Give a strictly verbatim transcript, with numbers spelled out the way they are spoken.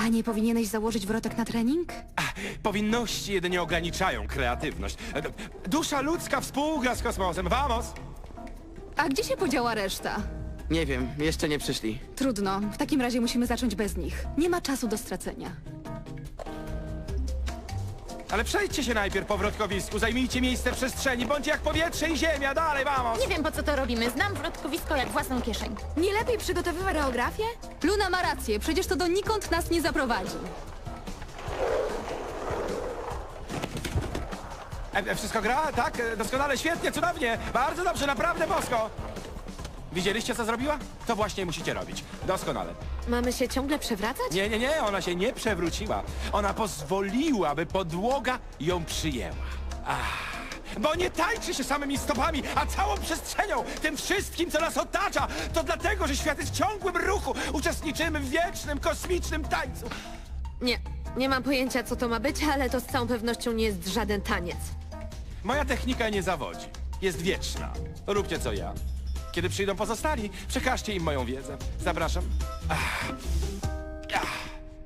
A nie powinieneś założyć wrotek na trening? Ach, powinności jedynie ograniczają kreatywność. E, d- Dusza ludzka współgra z kosmosem. Vamos! A gdzie się podziała reszta? Nie wiem, jeszcze nie przyszli. Trudno, w takim razie musimy zacząć bez nich. Nie ma czasu do stracenia. Ale przejdźcie się najpierw po wrotkowisku, zajmijcie miejsce w przestrzeni, bądźcie jak powietrze i ziemia, dalej, vamos! Nie wiem, po co to robimy. Znam wrotkowisko jak własną kieszeń. Nie lepiej przygotowywać choreografię? Luna ma rację, przecież to donikąd nas nie zaprowadzi. E, e, wszystko gra? Tak? E, Doskonale, świetnie, cudownie, bardzo dobrze, naprawdę bosko! Widzieliście, co zrobiła? To właśnie musicie robić. Doskonale. Mamy się ciągle przewracać? Nie, nie, nie, ona się nie przewróciła. Ona pozwoliła, by podłoga ją przyjęła. Ach, bo nie tańczy się samymi stopami, a całą przestrzenią, tym wszystkim, co nas otacza. To dlatego, że świat jest w ciągłym ruchu. Uczestniczymy w wiecznym, kosmicznym tańcu. Nie, nie mam pojęcia, co to ma być, ale to z całą pewnością nie jest żaden taniec. Moja technika nie zawodzi. Jest wieczna. Róbcie co ja. Kiedy przyjdą pozostali, przekażcie im moją wiedzę. Zapraszam. Ach.